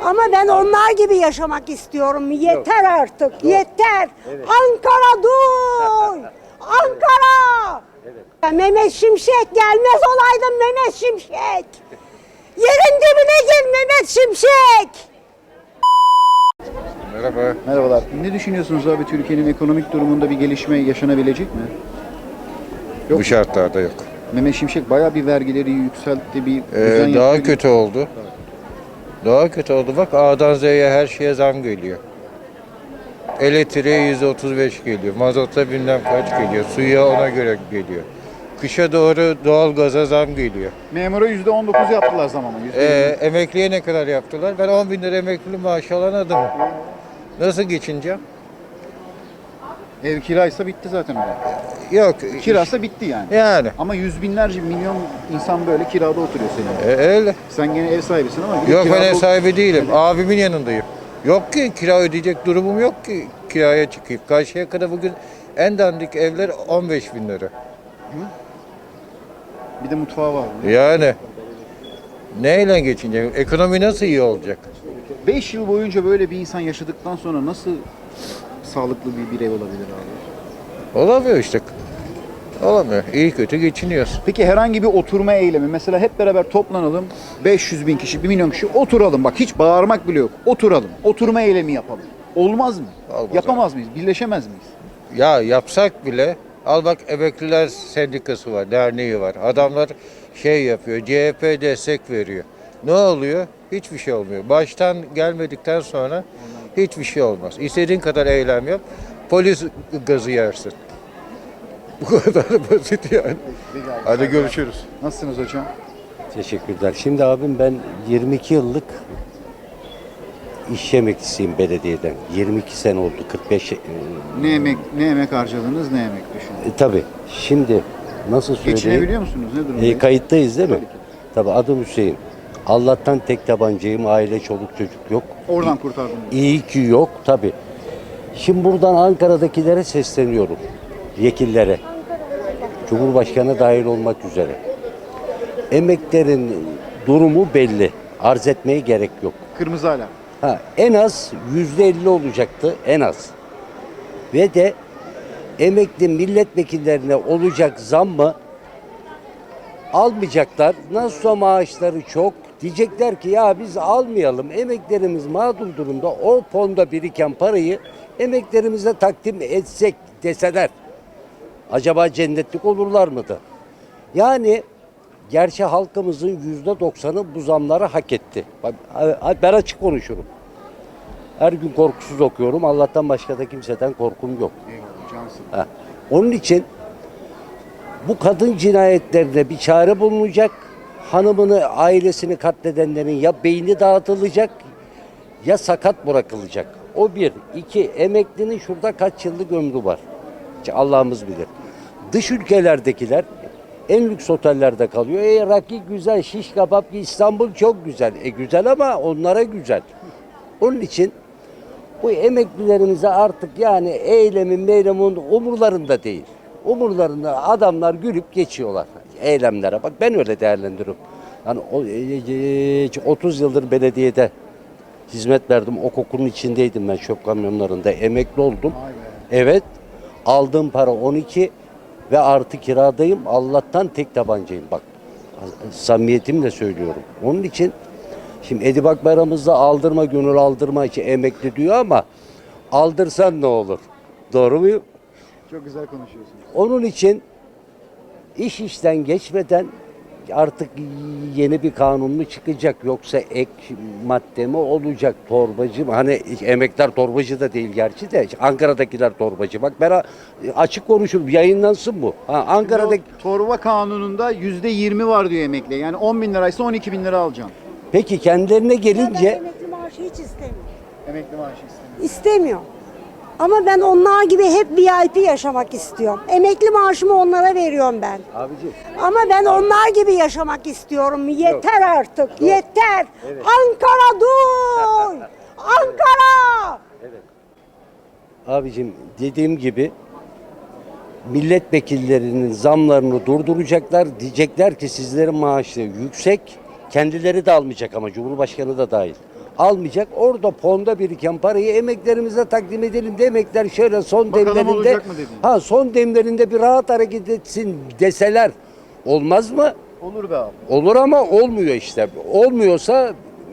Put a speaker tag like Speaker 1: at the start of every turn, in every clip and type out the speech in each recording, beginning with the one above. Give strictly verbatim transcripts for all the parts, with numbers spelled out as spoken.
Speaker 1: Ama ben onlar gibi yaşamak istiyorum. Yeter artık.
Speaker 2: Yok.
Speaker 1: Yeter.
Speaker 2: Evet.
Speaker 1: Ankara duy. Ankara.
Speaker 2: Evet.
Speaker 1: Mehmet Şimşek gelmez olaydın Mehmet Şimşek. Yerin dibine gir Mehmet Şimşek.
Speaker 3: Merhaba.
Speaker 4: Merhabalar. Ne düşünüyorsunuz abi, Türkiye'nin ekonomik durumunda bir gelişme yaşanabilecek mi? Yok.
Speaker 3: Bu şartlarda yok.
Speaker 4: Mehmet Şimşek bayağı bir vergileri yükseltti, bir düzen
Speaker 3: Ee, daha
Speaker 4: yaptı.
Speaker 3: kötü oldu. Daha kötü oldu. Bak A'dan Z'ye her şeye zam geliyor. Elektriğe yüzde otuz beş geliyor. Mazota bilmem kaç geliyor. Suya ona göre geliyor. Kışa doğru doğalgaza zam geliyor.
Speaker 4: Memura yüzde on dokuz yaptılar zam ama. yüzde yirmi.
Speaker 3: Ee, emekliye ne kadar yaptılar? Ben on bin lira emekli maaşı alan adamım. Nasıl geçineceğim?
Speaker 4: Ev kiraysa bitti zaten öyle.
Speaker 3: Yok.
Speaker 4: Kirası bitti yani.
Speaker 3: Yani.
Speaker 4: Ama yüz binlerce, milyon insan böyle kirada oturuyor senin.
Speaker 3: E, öyle.
Speaker 4: Sen gene ev sahibisin ama bir de
Speaker 3: Yok ben
Speaker 4: kirada
Speaker 3: ev
Speaker 4: ot-
Speaker 3: sahibi değilim. Abimin yanındayım. Yok ki kira ödeyecek durumum yok ki kiraya çıkayım. Karşıyaka'da bugün en dandik evler on beş bin lira.
Speaker 4: Bir de mutfağı var.
Speaker 3: Yani neyle geçinecek? Ekonomi nasıl iyi olacak?
Speaker 4: beş yıl boyunca böyle bir insan yaşadıktan sonra nasıl sağlıklı bir birey olabilir abi?
Speaker 3: Olamıyor işte. Olamıyor. İyi kötü geçiniyoruz.
Speaker 4: Peki herhangi bir oturma eylemi, mesela hep beraber toplanalım, beş yüz bin kişi, bir milyon kişi oturalım, bak hiç bağırmak bile yok, oturalım, oturma eylemi yapalım. Olmaz mı?
Speaker 3: Olmaz
Speaker 4: Yapamaz mıyız? Birleşemez miyiz?
Speaker 3: Ya yapsak bile al bak emekliler sendikası var, derneği var. Adamlar şey yapıyor, C H P destek veriyor. Ne oluyor? Hiçbir şey olmuyor. Baştan gelmedikten sonra hiçbir şey olmaz. İstediğin kadar eylem yap, polis gazı yersin. Bu kadar basit yani. Hadi görüşürüz.
Speaker 4: Nasılsınız hocam?
Speaker 2: Teşekkürler. Şimdi abim ben yirmi iki yıllık iş emeklisiyim belediyeden. yirmi iki sene oldu. kırk beş e,
Speaker 4: Ne emek ne emek harcadınız, ne emek düşündünüz?
Speaker 2: e, tabii. Şimdi nasıl söyleyeyim?
Speaker 4: Geçinebiliyor musunuz? Ne durumdayız?
Speaker 2: E, kayıttayız değil mi?
Speaker 4: Tabii ki.
Speaker 2: Tabii adım Hüseyin. Allah'tan tek tabancayım. Aile, çoluk, çocuk yok.
Speaker 4: Oradan kurtardınız.
Speaker 2: İyi ki yok tabii. Şimdi buradan Ankara'dakilere sesleniyorum. Vekillere. Cumhurbaşkanı dahil olmak üzere. Emeklerin durumu belli. Arz etmeye gerek yok.
Speaker 4: Kırmızı alarm.
Speaker 2: Ha, en az yüzde elli olacaktı. En az. Ve de emekli milletvekillerine olacak zammı almayacaklar. Nasılsa maaşları çok. Diyecekler ki ya biz almayalım. Emeklerimiz mağdur durumda. O fonda biriken parayı emeklerimize takdim etsek deseler. Acaba cennetlik olurlar mıydı? Yani gerçi halkımızın yüzde doksanı bu zamları hak etti. Bak, ben açık konuşurum. Her gün korkusuz okuyorum. Allah'tan başka da kimseden korkum yok.
Speaker 4: Eyvallah, cansın.
Speaker 2: Ha. Onun için bu kadın cinayetlerine bir çare bulunacak. Hanımını, ailesini katledenlerin ya beyni dağıtılacak ya sakat bırakılacak. O bir. İki, emeklinin şurada kaç yıllık ömrü var. Allah'ımız bilir. Dış ülkelerdekiler en lüks otellerde kalıyor. E rakı güzel, şiş kebap, İstanbul çok güzel. E güzel ama onlara güzel. Onun için bu emeklilerimize artık yani eylemin meylemin umurlarında değil. Umurlarında adamlar gülüp geçiyorlar eylemlere. Bak ben öyle değerlendiriyorum. Yani otuz yıldır belediyede hizmet verdim. O kokunun içindeydim ben, çöp kamyonlarında. Emekli oldum. Evet. Aldığım para on iki ve artı kiradayım. Allah'tan tek tabancayım. Bak samimiyetimle söylüyorum. Onun için şimdi Edip Akbayram'ımızda aldırma gönül aldırma için emekli diyor ama aldırsan ne olur? Doğru muyum?
Speaker 4: Çok güzel konuşuyorsunuz.
Speaker 2: Onun için iş işten geçmeden artık yeni bir kanun mu çıkacak yoksa ek madde mi olacak, torbacı mı? Hani emekler torbacı da değil gerçi de Ankara'dakiler torbacı. Bak ben açık konuşurum, yayınlansın bu. Ha, Ankara'daki...
Speaker 4: O torba kanununda yüzde yirmi var diyor emekli. Yani on bin liraysa on iki bin lira alacağım.
Speaker 2: Peki kendilerine
Speaker 1: Ben
Speaker 2: gelince...
Speaker 1: emekli maaşı hiç istemiyorum.
Speaker 4: Emekli maaşı istemiyor.
Speaker 1: İstemiyor. Ama ben onlar gibi hep V I P yaşamak istiyorum. Emekli maaşımı onlara veriyorum ben.
Speaker 2: Abiciğim.
Speaker 1: Ama ben onlar gibi yaşamak istiyorum. Yeter artık. Yeter.
Speaker 2: Evet.
Speaker 1: Ankara duy. Ankara.
Speaker 2: Abicim dediğim gibi milletvekillerinin zamlarını durduracaklar. Diyecekler ki sizlerin maaşları yüksek. Kendileri de almayacak ama Cumhurbaşkanı da dahil. almayacak. Orada fonda biriken parayı emeklerimize takdim edelim de emekler şöyle son
Speaker 4: Bakalım
Speaker 2: demlerinde
Speaker 4: olacak mı dedin?
Speaker 2: ha son demlerinde bir rahat hareket etsin deseler olmaz mı?
Speaker 4: Olur be abi.
Speaker 2: Olur ama olmuyor işte. Olmuyorsa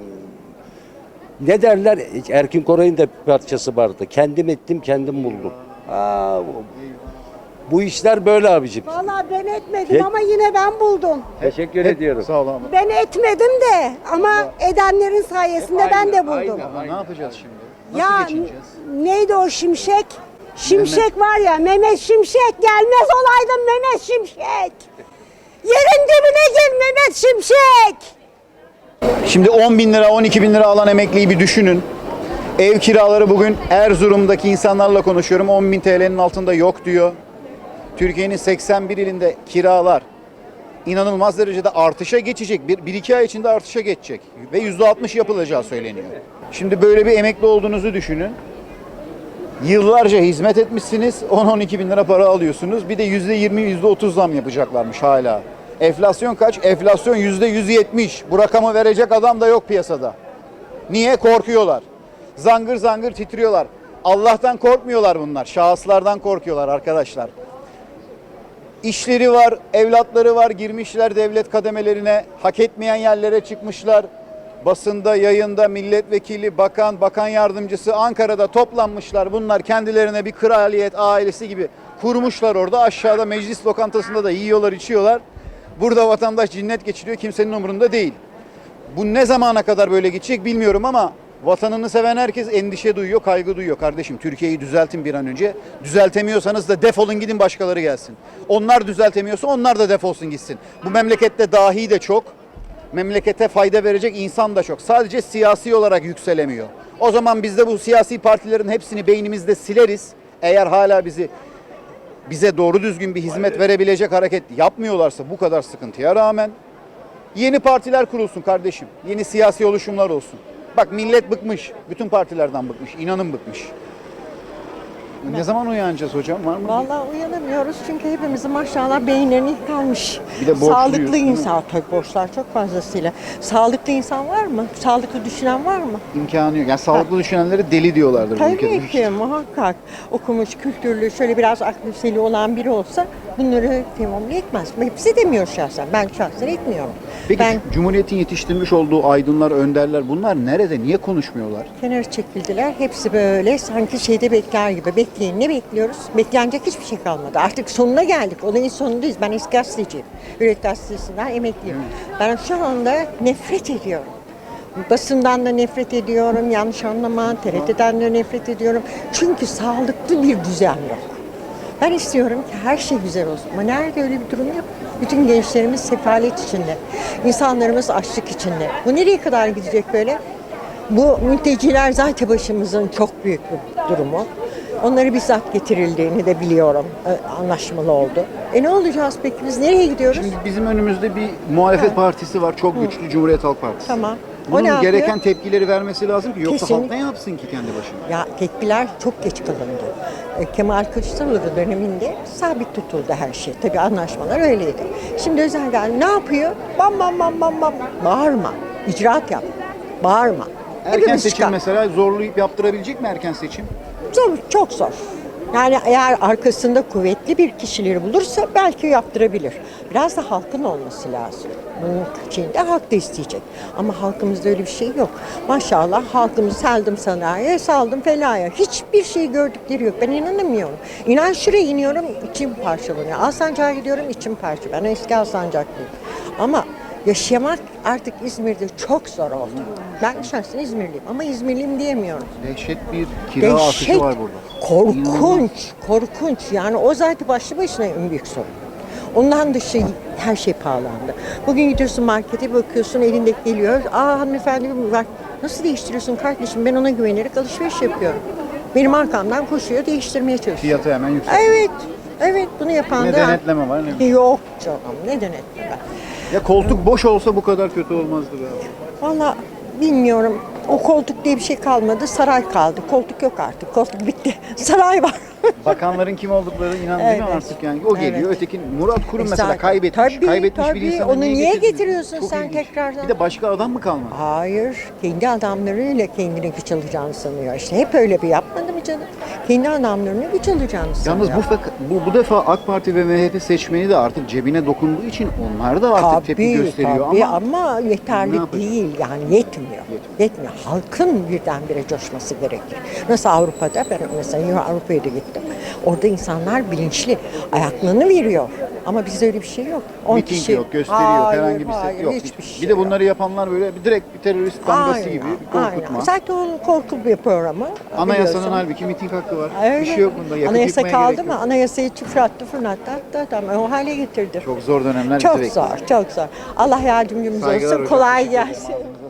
Speaker 2: ne derler? Erkin Koray'ın da bir parçası vardı. Kendim ettim, kendim buldum. Aa, bu- bu işler böyle abicim.
Speaker 1: Vallahi ben etmedim
Speaker 2: Peki.
Speaker 1: ama yine ben buldum.
Speaker 2: Teşekkür
Speaker 4: Hep-
Speaker 2: ediyorum.
Speaker 4: Sağ ol abi.
Speaker 1: Ben etmedim de ama edenlerin sayesinde ben de buldum.
Speaker 4: Ama ne yapacağız şimdi? Nasıl
Speaker 1: Ya
Speaker 4: geçineceğiz?
Speaker 1: neydi o Şimşek? Şimşek var ya, Mehmet Şimşek, gelmez olaydın Mehmet Şimşek. Yerin dibine gir Mehmet Şimşek.
Speaker 4: Şimdi on bin lira, on iki bin lira alan emekliyi bir düşünün. Ev kiraları bugün Erzurum'daki insanlarla konuşuyorum. on bin T L'nin altında yok diyor. Türkiye'nin seksen bir ilinde kiralar inanılmaz derecede artışa geçecek. Bir, bir iki ay içinde artışa geçecek. Ve yüzde altmış yapılacağı söyleniyor. Şimdi böyle bir emekli olduğunuzu düşünün. Yıllarca hizmet etmişsiniz. on on iki bin lira para alıyorsunuz. Bir de yüzde yirmi, yüzde otuz zam yapacaklarmış hala. Enflasyon kaç? Enflasyon yüzde yüz yetmiş. Bu rakamı verecek adam da yok piyasada. Niye? Korkuyorlar. Zangır zangır titriyorlar. Allah'tan korkmuyorlar bunlar. Şahıslardan korkuyorlar arkadaşlar. İşleri var, evlatları var, girmişler devlet kademelerine, hak etmeyen yerlere çıkmışlar. Basında, yayında milletvekili, bakan, bakan yardımcısı Ankara'da toplanmışlar. Bunlar kendilerine bir kraliyet ailesi gibi kurmuşlar orada. Aşağıda meclis lokantasında da yiyorlar, içiyorlar. Burada vatandaş cinnet geçiriyor, kimsenin umurunda değil. Bu ne zamana kadar böyle gidecek bilmiyorum ama vatanını seven herkes endişe duyuyor, kaygı duyuyor. Kardeşim Türkiye'yi düzeltin bir an önce. Düzeltemiyorsanız da defolun gidin başkaları gelsin. Onlar düzeltemiyorsa onlar da defolsun gitsin. Bu memlekette dahi de çok, memlekete fayda verecek insan da çok. Sadece siyasi olarak yükselemiyor. O zaman biz de bu siyasi partilerin hepsini beynimizde sileriz. Eğer hala bizi bize doğru düzgün bir hizmet verebilecek hareket yapmıyorlarsa bu kadar sıkıntıya rağmen yeni partiler kurulsun kardeşim. Yeni siyasi oluşumlar olsun. Bak millet bıkmış. Bütün partilerden bıkmış. İnanın bıkmış. Ne zaman uyanacağız hocam? Var mı?
Speaker 5: Vallahi uyanamıyoruz çünkü hepimizin maşallah beyinlerini yıkanmış.
Speaker 4: Bir de borçluyuz,
Speaker 5: Sağlıklı
Speaker 4: değil mi?
Speaker 5: insan, tabii borçlar çok fazlasıyla. Sağlıklı insan var mı? Sağlıklı düşünen var mı?
Speaker 4: İmkanı yok. Yani sağlıklı düşünenlere deli diyorlardır bu ülkede.
Speaker 5: Tabii ki muhakkak. Okumuş, kültürlü, şöyle biraz aklı seli olan biri olsa bunları temamlı etmez. Hepsi demiyor şahsen. Ben şahsen etmiyorum.
Speaker 4: Peki
Speaker 5: ben
Speaker 4: Cumhuriyet'in yetiştirmiş olduğu aydınlar, önderler bunlar nerede? Niye konuşmuyorlar?
Speaker 5: kenara çekildiler. Hepsi böyle sanki şeyde bekler gibi. Bekleyin. Ne bekliyoruz? Beklenecek hiçbir şey kalmadı. Artık sonuna geldik. Olayın sonundayız. Ben eski gazeteciyim. Üret Gazetesi'nden emekliyim. Ben şu anda nefret ediyorum. Basından da nefret ediyorum. Yanlış anlama. T R T'den de nefret ediyorum. Çünkü sağlıklı bir düzen yok. Ben istiyorum ki her şey güzel olsun. Ama nerede öyle bir durum yok? Bütün gençlerimiz sefalet içinde. İnsanlarımız açlık içinde. Bu nereye kadar gidecek böyle? Bu mülteciler zaten başımızın çok büyük bir durumu. Onları bizzat getirildiğini de biliyorum. Ee, Anlaşmalı oldu. E ne olacağız peki? Biz nereye gidiyoruz?
Speaker 4: Şimdi bizim önümüzde bir muhalefet partisi var. Çok güçlü Cumhuriyet Halk Partisi.
Speaker 5: Tamam. O
Speaker 4: Bunun
Speaker 5: ne yapıyor?
Speaker 4: gereken tepkileri vermesi lazım ki yoksa halk
Speaker 5: Kesinlikle.
Speaker 4: ne yapsın ki kendi başına?
Speaker 5: Ya tepkiler çok geç kalındı. E, Kemal Kılıçdaroğlu döneminde sabit tutuldu her şey. Tabii anlaşmalar öyleydi. Şimdi özel geldi. Ne yapıyor? Bam bam bam bam bam. Bağırma. İcraat yap. Bağırma.
Speaker 4: Erken
Speaker 5: Hepimiz
Speaker 4: seçim
Speaker 5: çıkar.
Speaker 4: mesela zorlayıp yaptırabilecek mi erken seçim?
Speaker 5: Zor, çok zor. Yani eğer arkasında kuvvetli bir kişileri bulursa belki yaptırabilir. Biraz da halkın olması lazım. Bunun için de halk da isteyecek. Ama halkımızda öyle bir şey yok. Maşallah halkımız saldım sanayiye, saldım felaya. Hiçbir şey gördükleri yok. Ben inanamıyorum. İnan şuraya iniyorum, içim parçalanıyor. Alsancak'a gidiyorum, içim parçalanıyor. Ben eski Alsancaklıyım. Ama yaşamak artık İzmir'de çok zor oldu. Ben şahsen İzmirliyim ama İzmirliyim diyemiyorum.
Speaker 4: Dehşet bir kira artışı var burada.
Speaker 5: Korkunç, korkunç. Yani o zaten başlı başına en büyük sorun. Ondan dışı her şey pahalandı. Bugün gidiyorsun markete bakıyorsun elinde geliyor. Aa hanımefendi bir var. Nasıl değiştiriyorsun kardeşim? Ben ona güvenerek alışveriş yapıyorum. Benim arkamdan koşuyor değiştirmeye çalışıyor.
Speaker 4: Fiyatı hemen yüksek.
Speaker 5: Evet, evet bunu yapan
Speaker 4: Ne
Speaker 5: da...
Speaker 4: denetleme var ne?
Speaker 5: Yok canım ne denetleme.
Speaker 4: Ya koltuk boş olsa bu kadar kötü olmazdı be abi.
Speaker 5: Valla bilmiyorum. O koltuk diye bir şey kalmadı. Saray kaldı. Koltuk yok artık. Koltuk bitti. Saray var.
Speaker 4: Bakanların kim oldukları inan değil mi
Speaker 5: Evet.
Speaker 4: artık yani. O geliyor.
Speaker 5: Evet.
Speaker 4: Öteki Murat Kurum mesela
Speaker 5: Zaten-
Speaker 4: kaybetmiş.
Speaker 5: Tabii,
Speaker 4: kaybetmiş
Speaker 5: tabii.
Speaker 4: bir insanı
Speaker 5: Onu niye
Speaker 4: getirdiniz?
Speaker 5: getiriyorsun
Speaker 4: Çok
Speaker 5: sen
Speaker 4: ilginç.
Speaker 5: tekrardan?
Speaker 4: Bir de başka adam mı kalmadı?
Speaker 5: Hayır, kendi adamlarıyla kendine güç alacağını sanıyor. İşte hep öyle bir yapmadı mı canım? Kendi adamlarına güç alacağını sanıyor.
Speaker 4: Yalnız bu, fak- bu bu defa AK Parti ve M H P seçmeni de artık cebine dokunduğu için onlar da artık tepki gösteriyor
Speaker 5: tabii
Speaker 4: ama,
Speaker 5: ama
Speaker 4: Ne
Speaker 5: yeterli
Speaker 4: yapacak?
Speaker 5: değil yani yetmiyor. Yetmiyor. Halkın birdenbire coşması gerekir. Nasıl Avrupa'da, ben mesela Avrupa'ya da gittim. Orada insanlar bilinçli ayaklarını veriyor. Ama bizde öyle bir şey yok. on
Speaker 4: miting
Speaker 5: kişi.
Speaker 4: yok, gösteriyor,
Speaker 5: Hayır,
Speaker 4: herhangi bir
Speaker 5: hayır,
Speaker 4: ses yok.
Speaker 5: hiçbir şey
Speaker 4: bir de
Speaker 5: yok.
Speaker 4: bunları yapanlar böyle bir direkt bir terörist damgası
Speaker 5: Aynen,
Speaker 4: gibi bir korkutma.
Speaker 5: aynen. Zaten onun korku bir programı.
Speaker 4: Anayasanın
Speaker 5: biliyorsun.
Speaker 4: halbuki miting hakkı var.
Speaker 5: Öyle.
Speaker 4: Bir şey yok bunda. Yakıp
Speaker 5: Anayasa
Speaker 4: yıkmaya
Speaker 5: kaldı
Speaker 4: gerek
Speaker 5: mı?
Speaker 4: yok.
Speaker 5: Anayasayı fırlattı, fırlattı, attı, attı. O hale getirdi.
Speaker 4: Çok zor dönemler bizi
Speaker 5: Çok
Speaker 4: bekliyor.
Speaker 5: zor, çok zor. Allah yardımcımız
Speaker 4: Saygılar
Speaker 5: olsun.
Speaker 4: hocam,
Speaker 5: Kolay
Speaker 4: teşekkür ederim.
Speaker 5: gelsin.